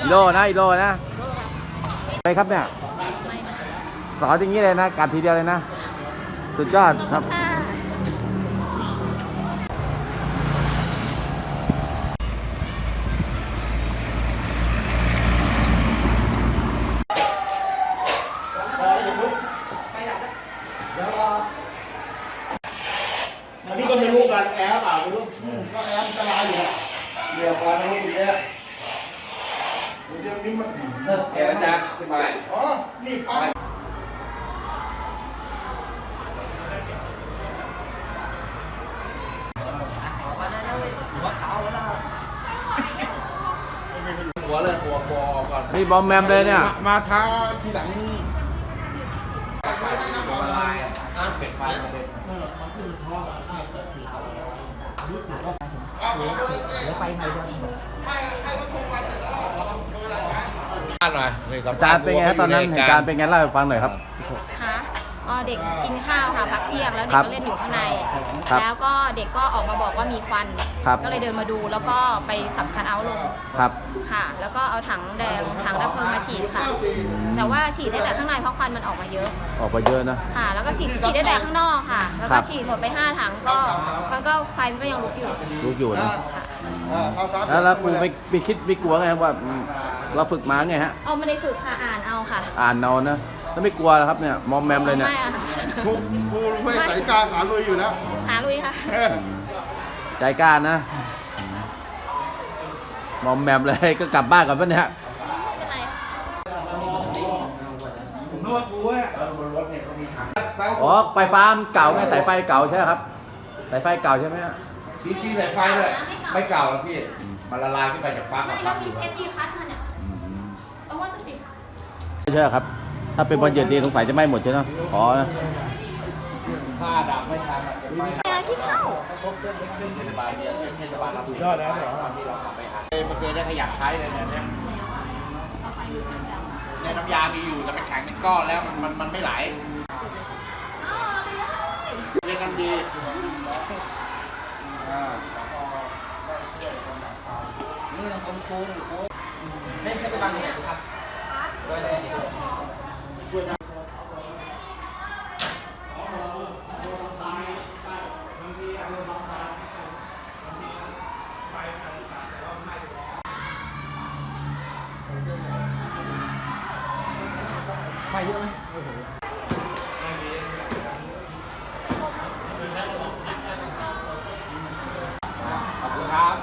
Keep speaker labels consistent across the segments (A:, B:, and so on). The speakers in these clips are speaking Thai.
A: อีโลนะอีโลนะไปครับเนี่ยสอนอย่างนี้เลยนะกัดทีเดียวเลยนะสุดยอดครับ
B: อันนี้ก็ไม่รู้กันแอร์เปล่าไม่รู้ก็แอร์อันตรายอยู่แหละเดี๋ยวฟันไม่รู้อยู่เนี่ยเดี๋ยวนี้มัน
A: แกจะขึ้นมา
B: อ๋อนี่พังหัวเลยหัวบอก่อน
A: นี่บอมแมมเลยเนี่ย
B: มาท้าทีหลัง
A: เป็ดไฟมาเลยอาจารย์เป็นไงครับตอนนั้นเหตุการณ์เป็นไงเล่าให้ฟังหน่อยครับ
C: ค่ะเด็กกินข้าวค่ะพักเที่ยงแล้วเด็กก็เล่นอยู่ข้างในแล้วก็เด็กก็ออกมาบอกว่ามีควันก็เลยเดินมาดูแล้วก็ไปสับคันเอาท์ลงค่ะแล้วก็เอาถังแดงถังดับเพลิงมาฉีดค่ะแต่ว่าฉีดได้แต่ข้างในเพราะควันมันออกมาเยอะ
A: นะ
C: ค่ะแล้วก็ฉีดได้แต่ข้างนอกค่ะแล้วก็ฉีดหมดไป5 ถังก็ไฟมันก็ยังลุกอยู่
A: นะแล้วครูไม่คิดไม่กลัวไงว่าเราฝึกมาไงฮะ
C: ไม่ได้ฝึกค่ะอ่านเอาค่ะ
A: อ่านเอานะแล้วไม่กลัวครับเนี่ยมอมแมมเลยเนี่ย
B: ครูไม่ใส่กาขาลุยอยู่แล้ว
C: ขาลุยค่ะ
A: ใจกล้านะมอมแมมเลยก็กลับบ้านก่อนป่ะเนี่ย
B: ผมนึกว่าครูเนี่ยบนรถเนี่ยเขามีถัง
A: ไฟฟ้าเก่าไงสายไฟเก่าใช่ครับสายไฟเก่าใช่ไหมฮะ
B: ที่สายไฟด้วยไม่เก่าแล้วพี่มันละลายขึ้นไปจากปลั๊ก
C: แล้วมีเซฟตี้คัทมาเนี่ยต้องว่าจะติด
A: ใช่ครับถ้าเป็นบอลเย็นดีสงสัยจะไหม้หมดใช่ไหมนะ
B: ผ้าดับไม่ทัน
C: อะไรที่เข้า
B: เทศบาลเราสุดยอดแล้วเหรอที่เราทำไปหามันเคยได้ขยับใช้เลยเนี่ยน้ำยามีอยู่แต่มันแข็งเป็นก้อนแล้วมันไม่ไหลเรียนกันดีนี่เราคงโค้งเล่นแค่ไปบางอย่างครับไปเยอะไหมขอบคุณครับ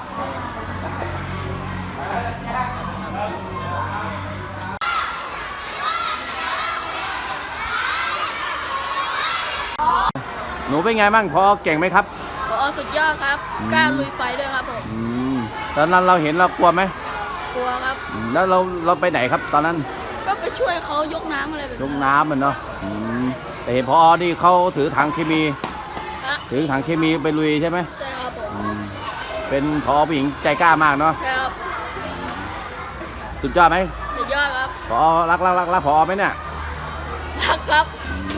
A: หนูเป็นไงบ้างพอเก่งไหมครับ
C: สุดยอดครับกล้าลุยไฟด้วยครับผม
A: ตอนนั้นเราเห็นเรากลัวไหม
C: กลัวครับ
A: แล้วเราไปไหนครับตอนนั้น
C: ก็ไปช่วยเขายกน้ำอะไรแบบ
A: ยกน้ำมันเนาะแต่เห็นพอนี่เขาถือถังเคมีไปลุยใช่ไหม
C: ใช่ครับผม
A: เป็นพอผู้หญิงใจกล้ามากเนาะ
C: ใช่ครับ
A: สุดยอดไหม
C: สุดยอดครับ
A: พอรักพอไหมเนี่ย
C: รักครับ